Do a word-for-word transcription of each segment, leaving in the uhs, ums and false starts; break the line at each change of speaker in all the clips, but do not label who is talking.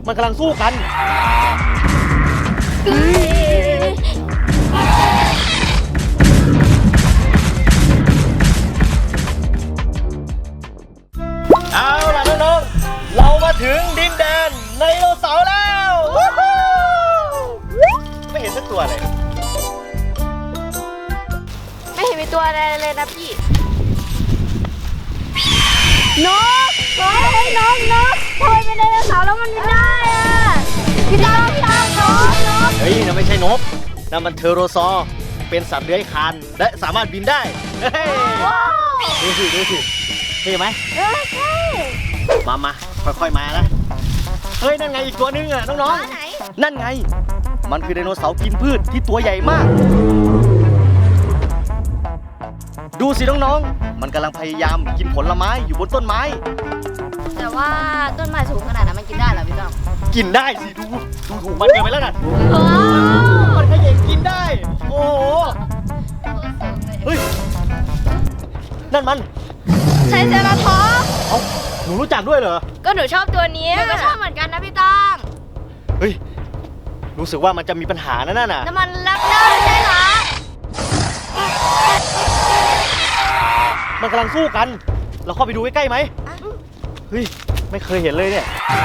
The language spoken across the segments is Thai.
มันกำลังสู้กันเอาล่ะน้องๆเรามาถึงดินแดนไดโนเสาร์แล้วไม่เห็นสักตัวเลย
ไม่เห็นมีตัวอะไรเลยนะพี่นกนกเฮ้ยนกนกทำไมเป็นไดโนเสาร์แล้วมันไม่ได้อ่ะพี่ตั้งพี่ตั้งนกนก
เฮ้ยนั่นไม่ใช่นกนั่นมันเทอโรซอร์เป็นสัตว์เลื้อยคลานและสามารถบินได้ดูสิดูสิเท่ไหม
เออใช่
มามาค่อยๆมานะเฮ้ยนั่นไงอีกตัวนึงอ่ะน้องๆ
ไหน
นั่นไงมันคือไดโนเสาร์กินพืชที่ตัวใหญ่มากดูสิน้องๆมันกำลังพยายามกินผลไม้อยู่บนต้นไม้
แต่ว่าต้นไม้สูงขนาดนั้นมันกินได้เหรอพี่ต้อง
กินได้สิดูดูถูกมันเกินไปแล้วนะมันขยันกินได้โอ้โหเฮ้ยนั่นมัน
ไทรเซราทอปส์
เอ้าหนูรู้จักด้วยเหรอ
ก็หนูชอบตัวนี้หนูก็ชอบเหมือนกันนะพี่ต้อง
เฮ้ยรู้สึกว่ามันจะมีปัญหานะนั่นน่ะ
น้ำมันรักเนอร์ใช่เหรอ
มันกำลังสู้กันเราเข้าไปดูใกล้ๆไหมเฮ้ยไม่เคยเห็นเลยเนี่ย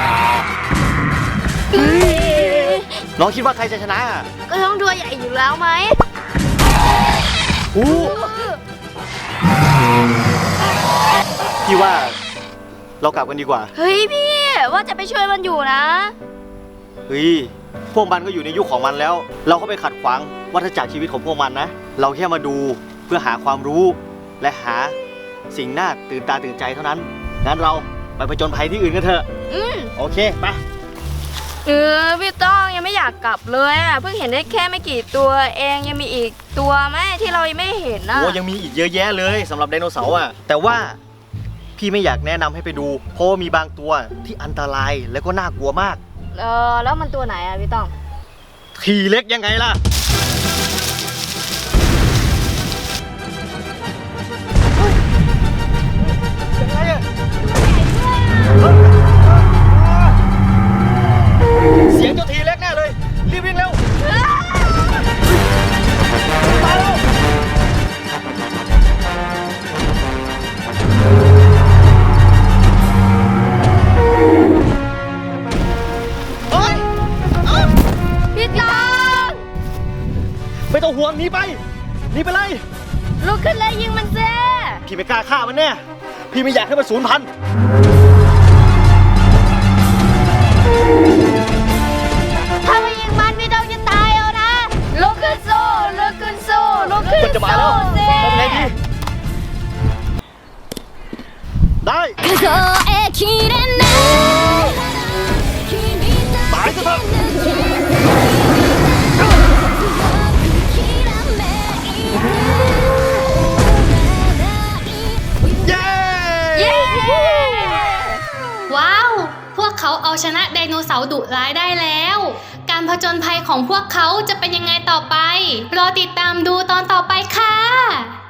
น้องคิดว่าใครจะชนะ
ก็ต้องตัวใหญ่อยู่แล้วไหม
อู้พี่ว่าเรากลับกันดีกว่า
เฮ้ยพี่ว่าจะไปช่วยมันอยู่นะ
เฮ้ยพวกมันก็อยู่ในยุคของมันแล้วเราก็ไปขัดขวางวัฏจักรชีวิตของพวกมันนะเราแค่มาดูเพื่อหาความรู้และหาสิ่งน่าตื่นตาตื่นใจเท่านั้นงั้นเราไปผจญภัยที่อื่นกันเถอะ
อืม
โอเคไป
เออพี่ต้องยังไม่อยากกลับเลยอ่ะเพิ่งเห็นได้แค่ไม่กี่ตัวเองยังมีอีกตัวไหมที่เรายังไม่เห็นนะ
โอ้ยังมีอีกเยอะแยะเลยสำหรับไดโนเสาร์อ่ะแต่ว่าพี่ไม่อยากแนะนำให้ไปดูเพราะมีบางตัวที่อันตรายและก็น่ากลัวมาก
เออแล้วมันตัวไหนอ่ะพี่ต้อง
ทีเล็กยังไงล่ะเสียงเจ้าทีเล็กแน่เลยรีบวิ่งเร็วมาเร็วเฮ้ย
พี่ต้อง
ไม่ต้องห่วงหนีไปหนีไปเลย
ลุกขึ้นเลยยิงมันเซ่
พี่ไม่กล้าฆ่ามันแน่พี่ไม่อยากให้มันสูญพันธุ์
ถ้าไม่ยิงมันพี่ต้องจะตายเอานะลุกขึ้นสู้ลุกขึ้นสู้ลุกขึ้นสู้
มันจะมาแล้วทำไงดีได้ตายซะเถอะ
ว้าวพวกเขาเอาชนะไดโนเสาร์ดุร้ายได้แล้วการผจญภัยของพวกเขาจะเป็นยังไงต่อไปรอติดตามดูตอนต่อไปค่ะ